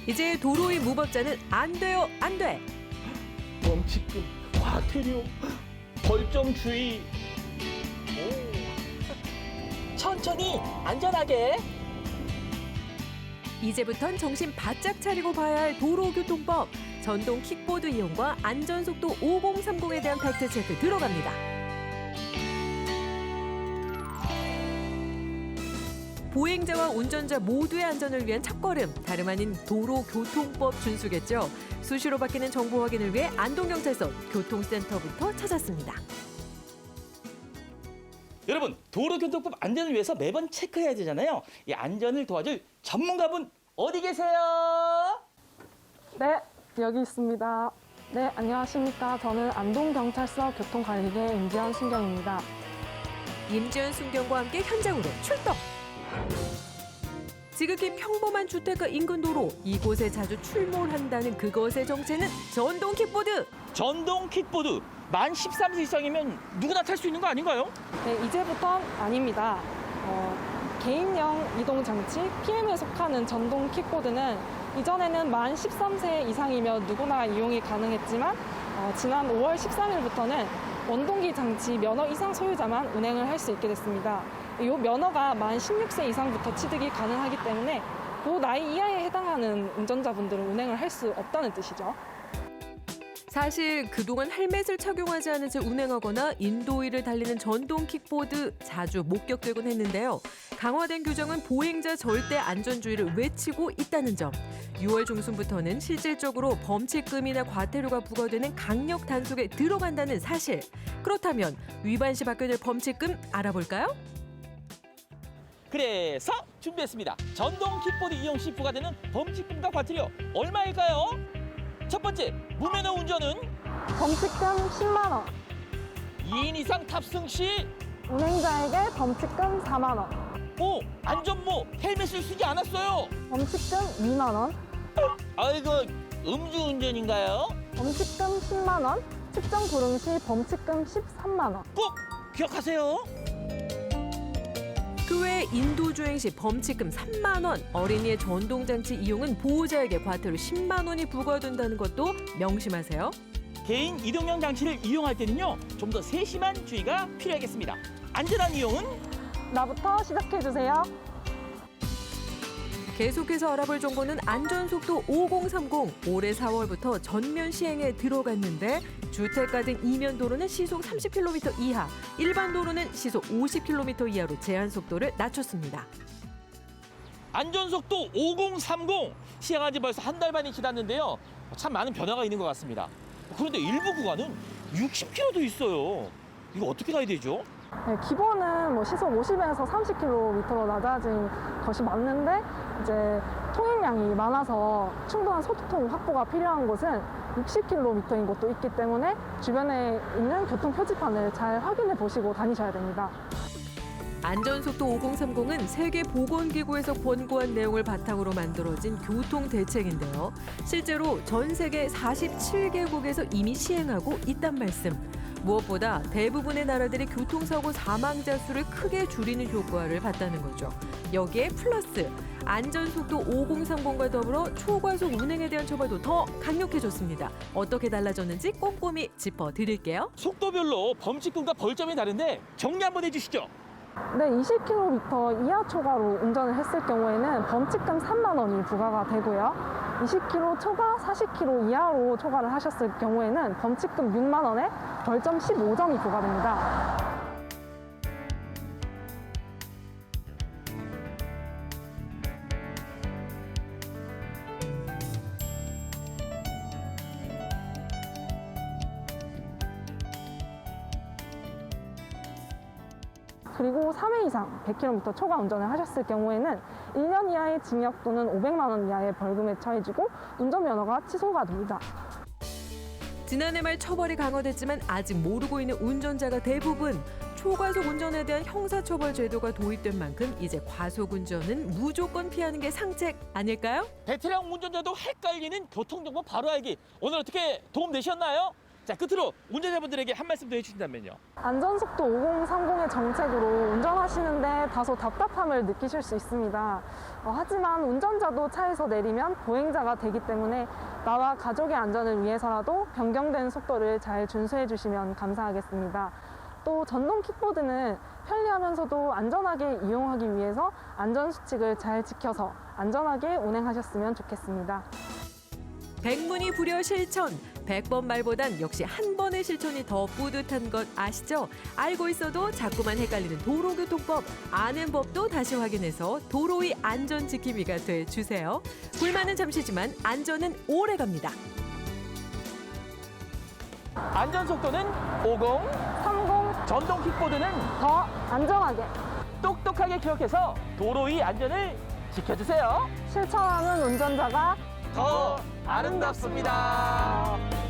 이제 도로 위 무법자는 안 돼요, 안 돼. 범칙금, 과태료, 벌점 주의. 천천히 안전하게. 이제부턴 정신 바짝 차리고 봐야 할 도로교통법. 전동 킥보드 이용과 안전속도 5030에 대한 팩트체크 들어갑니다. 보행자와 운전자 모두의 안전을 위한 첫걸음, 다름 아닌 도로교통법 준수겠죠. 수시로 바뀌는 정보 확인을 위해 안동경찰서 교통센터부터 찾았습니다. 여러분, 도로교통법 안전을 위해서 매번 체크해야 되잖아요. 이 안전을 도와줄 전문가분 어디 계세요? 네, 여기 있습니다. 네, 안녕하십니까. 저는 안동경찰서 교통관리계 임지연 순경입니다. 임지연 순경과 함께 현장으로 출동! 지극히 평범한 주택가 인근 도로, 이곳에 자주 출몰한다는 그것의 정체는 전동 킥보드! 전동 킥보드. 만 13세 이상이면 누구나 탈 수 있는 거 아닌가요? 네, 이제부턴 아닙니다. 개인형 이동장치 PM에 속하는 전동 킥보드는 이전에는 만 13세 이상이면 누구나 이용이 가능했지만 지난 5월 13일부터는 원동기 장치 면허 이상 소유자만 운행을 할 수 있게 됐습니다. 이 면허가 만 16세 이상부터 취득이 가능하기 때문에 그 나이 이하에 해당하는 운전자분들은 운행을 할 수 없다는 뜻이죠. 사실 그동안 헬멧을 착용하지 않은 채 운행하거나 인도위를 달리는 전동 킥보드 자주 목격되곤 했는데요. 강화된 규정은 보행자 절대 안전주의를 외치고 있다는 점. 6월 중순부터는 실질적으로 범칙금이나 과태료가 부과되는 강력 단속에 들어간다는 사실. 그렇다면 위반 시 받게 될 범칙금 알아볼까요? 그래서 준비했습니다. 전동 킥보드 이용 시 부과되는 범칙금과 과태료 얼마일까요? 첫 번째, 무면허 운전은 범칙금 10만 원, 2인 이상 탑승 시 운행자에게 범칙금 4만 원, 안전모 헬멧을 쓰지 않았어요. 범칙금 2만 원, 아이고, 음주운전인가요? 범칙금 10만 원, 측정 불응 시 범칙금 13만 원. 꼭 기억하세요. 그 외 인도주행 시 범칙금 3만 원, 어린이의 전동장치 이용은 보호자에게 과태료 10만 원이 부과된다는 것도 명심하세요. 개인 이동형 장치를 이용할 때는요, 좀 더 세심한 주의가 필요하겠습니다. 안전한 이용은 나부터 시작해주세요. 계속해서 알아볼 정보는 안전속도 5030. 올해 4월부터 전면 시행에 들어갔는데 주택가 등 이면 도로는 시속 30km 이하, 일반 도로는 시속 50km 이하로 제한 속도를 낮췄습니다. 안전속도 5030 시행한 지 벌써 한 달 반이 지났는데요. 참 많은 변화가 있는 것 같습니다. 그런데 일부 구간은 60km도 있어요. 이거 어떻게 가야 되죠? 네, 기본은 뭐 시속 50에서 30km로 낮아진 것이 맞는데 이제 통행량이 많아서 충분한 소통 확보가 필요한 곳은 60km인 곳도 있기 때문에 주변에 있는 교통 표지판을 잘 확인해 보시고 다니셔야 됩니다. 안전속도 5030은 세계보건기구에서 권고한 내용을 바탕으로 만들어진 교통대책인데요. 실제로 전 세계 47개국에서 이미 시행하고 있단 말씀. 무엇보다 대부분의 나라들이 교통사고 사망자 수를 크게 줄이는 효과를 봤다는 거죠. 여기에 플러스 안전속도 5030과 더불어 초과속 운행에 대한 처벌도 더 강력해졌습니다. 어떻게 달라졌는지 꼼꼼히 짚어드릴게요. 속도별로 범칙금과 벌점이 다른데 정리 한번 해주시죠. 네, 20km 이하 초과로 운전을 했을 경우에는 범칙금 3만 원이 부과가 되고요. 20km 초과, 40km 이하로 초과를 하셨을 경우에는 범칙금 6만 원에 벌점 15점이 부과됩니다. 그리고 3회 이상 100km 초과 운전을 하셨을 경우에는 1년 이하의 징역 또는 500만 원 이하의 벌금에 처해지고 운전면허가 취소가 됩니다. 지난해 말 처벌이 강화됐지만 아직 모르고 있는 운전자가 대부분. 초과속 운전에 대한 형사처벌 제도가 도입된 만큼 이제 과속 운전은 무조건 피하는 게 상책 아닐까요? 베테랑 운전자도 헷갈리는 교통정보 바로 알기. 오늘 어떻게 도움 되셨나요? 자, 끝으로 운전자분들에게 한 말씀 더 해주신다면요. 안전속도 5030의 정책으로 운전하시는데 다소 답답함을 느끼실 수 있습니다. 하지만 운전자도 차에서 내리면 보행자가 되기 때문에 나와 가족의 안전을 위해서라도 변경된 속도를 잘 준수해 주시면 감사하겠습니다. 또 전동 킥보드는 편리하면서도 안전하게 이용하기 위해서 안전수칙을 잘 지켜서 안전하게 운행하셨으면 좋겠습니다. 백문이 불여 실천. 100번 말보단 역시 한 번의 실천이 더 뿌듯한 것 아시죠? 알고 있어도 자꾸만 헷갈리는 도로교통법. 아는 법도 다시 확인해서 도로 위 안전 지킴이가 돼주세요. 불만은 잠시지만 안전은 오래 갑니다. 안전속도는 50, 30, 전동 킥보드는 더 안전하게 똑똑하게 기억해서 도로 위 안전을 지켜주세요. 실천하는 운전자가 더 아름답습니다.